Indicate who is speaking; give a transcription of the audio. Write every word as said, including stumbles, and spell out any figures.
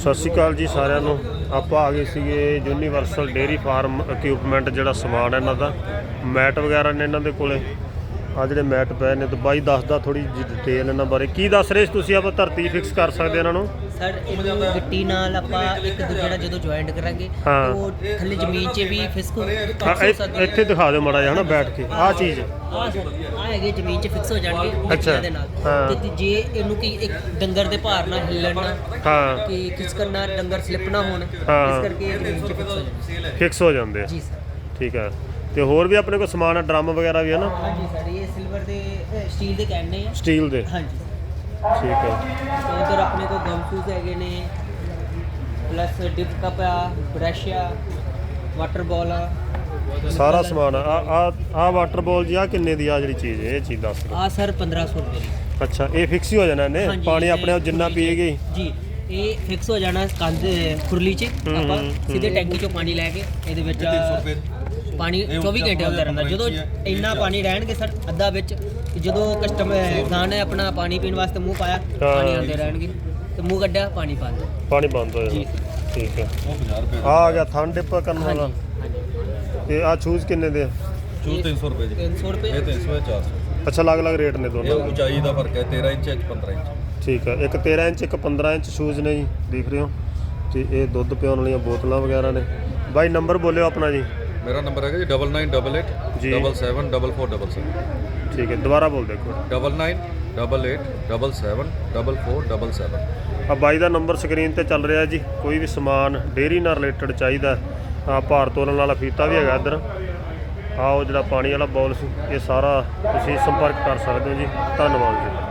Speaker 1: ਸਤਿ ਸ਼੍ਰੀ ਅਕਾਲ ਜੀ ਸਾਰਿਆਂ ਨੂੰ। ਆਪਾਂ ਆ ਗਏ ਸੀਗੇ ਯੂਨੀਵਰਸਲ ਡੇਅਰੀ ਫਾਰਮ ਇਕਵਿਪਮੈਂਟ ਜਿਹੜਾ ਸਮਾਨ ਹੈ ਇਹਨਾਂ ਦਾ, ਮੈਟ ਵਗੈਰਾ ਨੇ ਇਹਨਾਂ ਦੇ ਕੋਲੇ। ਆ ਜਿਹੜੇ ਮੈਟ ਪਏ ਨੇ ਤੇ ਬਾਈ ਦੱਸਦਾ ਥੋੜੀ ਜਿਹੀ ਡਿਟੇਲ ਇਹਨਾਂ ਬਾਰੇ। ਕੀ ਦੱਸ ਰਹੇ ਤੁਸੀਂ? ਆਪਾਂ ਧਰਤੀ ਫਿਕਸ ਕਰ ਸਕਦੇ ਇਹਨਾਂ ਨੂੰ
Speaker 2: ਸਰ? ਇਹਨੂੰ ਗਿੱਟੀ ਨਾਲ ਆਪਾਂ ਇੱਕ ਜਿਹੜਾ ਜਦੋਂ ਜੁਆਇੰਟ ਕਰਾਂਗੇ ਉਹ ਥੱਲੇ ਜ਼ਮੀਨ 'ਚ ਵੀ ਫਿਕਸ ਹੋ ਸਕਦਾ।
Speaker 1: ਇੱਥੇ ਦਿਖਾ ਦਿਓ ਮਾੜਾ ਜਿਹਾ ਨਾ ਬੈਠ ਕੇ। ਆਹ ਚੀਜ਼
Speaker 2: ਆਹ ਸਰ ਆਹ ਹੈਗੇ ਜ਼ਮੀਨ 'ਚ ਫਿਕਸ ਹੋ ਜਾਣਗੇ
Speaker 1: ਅੱਛਾ
Speaker 2: ਦੇ ਨਾਲ। ਤੇ ਜੇ ਇਹਨੂੰ ਕੀ ਇੱਕ ਡੰਗਰ ਦੇ ਭਾਰ ਨਾਲ ਹਿੱਲਣ ਨਾ
Speaker 1: ਹਾਂ
Speaker 2: ਕਿ ਖਿਸਕਣ ਨਾ, ਡੰਗਰ ਸਲਿੱਪ ਨਾ ਹੋਣ, ਇਸ ਕਰਕੇ ਜ਼ਮੀਨ 'ਚ ਫਿਕਸ ਹੋ ਜਾਂਦੇ
Speaker 1: ਫਿਕਸ ਹੋ ਜਾਂਦੇ ਆ।
Speaker 2: ਜੀ ਸਰ ਠੀਕ
Speaker 1: ਹੈ। ਤੇ ਹੋਰ ਵੀ ਆਪਣੇ ਕੋਲ ਸਮਾਨ ਹੈ, ਡਰਮ ਵਗੈਰਾ ਵੀ ਹੈ ਨਾ?
Speaker 2: ਹਾਂਜੀ ਸਰ, ਇਹ ਸਿਲਵਰ ਦੇ ਸਟੀਲ ਦੇ ਕੈਨ ਨੇ।
Speaker 1: ਸਟੀਲ ਦੇ?
Speaker 2: ਹਾਂਜੀ
Speaker 1: ਠੀਕ ਹੈ।
Speaker 2: ਉਧਰ ਆਪਣੇ ਕੋਲ ਗਮ ਸ਼ੂਜ਼ ਹੈਗੇ ਨੇ, ਪਲੱਸ ਡਿਪ ਕੱਪ ਆ, ਬ੍ਰਸ਼ ਆ, ਵਾਟਰ ਬਾਲ ਆ,
Speaker 1: ਸਾਰਾ ਸਮਾਨ ਆ। ਆ ਆ ਵਾਟਰ ਬਾਲ ਜੀ ਆ ਕਿੰਨੇ ਦੀ ਆ ਜਿਹੜੀ ਚੀਜ਼? ਇਹ ਚੀਜ਼ ਦੱਸ ਦਿਓ।
Speaker 2: ਆ ਸਰ ਪੰਦਰਾਂ ਸੌ ਰੁਪਏ ਦੀ।
Speaker 1: ਅੱਛਾ, ਇਹ ਫਿਕਸ ਹੀ ਹੋ ਜਾਣਾ ਇਹਨੇ? ਪਾਣੀ ਆਪਣੇ ਆਪ ਜਿੰਨਾ ਪੀਏਗੀ
Speaker 2: ਜੀ ਇਹ ਫਿਕਸ ਹੋ ਜਾਣਾ ਕੰਧ ਖੁਰਲੀ 'ਚ। ਆਪਾਂ ਸਿੱਧੇ ਟੈਂਕੀ 'ਚੋਂ ਪਾਣੀ ਲੈ ਕੇ ਇਹਦੇ ਵਿੱਚ ਪਾਣੀ ਚੌਵੀ ਘੰਟੇ ਅੰਦਰ ਰਹਿੰਦਾ। ਜਦੋਂ ਇੰਨਾ ਪਾਣੀ ਰਹਿਣਗੇ ਸਰ ਅੱਧਾ ਵਿੱਚ, ਜਦੋਂ ਕਸਟਮਰ ਜਾਣੇ ਆਪਣਾ ਪਾਣੀ ਪੀਣ ਵਾਸਤੇ ਮੂੰਹ ਪਾਇਆ, ਪਾਣੀ ਆਉਂਦੇ ਰਹਿਣਗੇ ਤੇ ਮੂੰਹ ਕੱਢਿਆ ਪਾਣੀ ਬੰਦ,
Speaker 1: ਪਾਣੀ ਬੰਦ ਹੋ ਜਾਣਾ। ਠੀਕ ਹੈ। ਆ ਆ ਗਿਆ ਥਨ ਡਿਪ ਕਰਨ ਵਾਲਾ। ਤੇ ਆ ਸ਼ੂਜ਼ ਕਿੰਨੇ ਦੇ ਆ?
Speaker 3: ਸ਼ੂਜ਼ ਤਿੰਨ ਸੌ ਰੁਪਏ ਜੀ।
Speaker 2: ਤਿੰਨ ਸੌ ਰੁਪਏ
Speaker 3: ਇਹ ਤਿੰਨ ਸੌ ਚਾਰ ਸੌ।
Speaker 1: ਅੱਛਾ, ਅਲੱਗ ਅਲੱਗ ਰੇਟ ਨੇ ਦੋਨੋਂ?
Speaker 3: ਉਚਾਈ ਦਾ ਫਰਕ ਹੈ, ਤੇਰਾਂ ਇੰਚ ਇੱਕ ਪੰਦਰਾਂ ਇੰਚ।
Speaker 1: ਠੀਕ ਹੈ। ਇੱਕ ਤੇਰਾਂ ਇੰਚ ਇੱਕ ਪੰਦਰਾਂ ਇੰਚ ਸ਼ੂਜ਼ ਨੇ ਜੀ, ਦੇਖ ਰਹੇ ਹੋ। ਤੇ ਇਹ ਦੁੱਧ ਪਿਆਉਣ ਵਾਲੀਆਂ ਬੋਤਲਾਂ ਵਗੈਰਾ ਨੇ। ਬਾਈ ਨੰਬਰ ਬੋਲਿਓ ਆਪਣਾ ਜੀ।
Speaker 3: ਮੇਰਾ ਨੰਬਰ ਹੈਗਾ ਜੀ double nine double eight double seven double four double seven.
Speaker 1: ਠੀਕ ਹੈ, ਦੁਬਾਰਾ ਬੋਲ ਦੇਖੋ।
Speaker 3: Double nine double eight double seven double four double seven.
Speaker 1: ਆ ਬਾਈ ਦਾ ਨੰਬਰ ਸਕਰੀਨ ਤੇ ਚੱਲ ਰਿਹਾ ਜੀ। ਕੋਈ ਵੀ ਸਮਾਨ ਡੇਅਰੀ ਨਾਲ ਰਿਲੇਟਡ ਚਾਹੀਦਾ, ਆ ਭਾਰ ਤੋਲਣ ਵਾਲਾ ਫੀਤਾ ਵੀ ਹੈਗਾ ਇੱਧਰ। ਆਹ ਉਹ ਜਿਹੜਾ ਪਾਣੀ ਵਾਲਾ ਬੋਲ ਸੀ, ਇਹ ਸਾਰਾ ਤੁਸੀਂ ਸੰਪਰਕ ਕਰ ਸਕਦੇ ਹੋ ਜੀ। ਧੰਨਵਾਦ ਜੀ।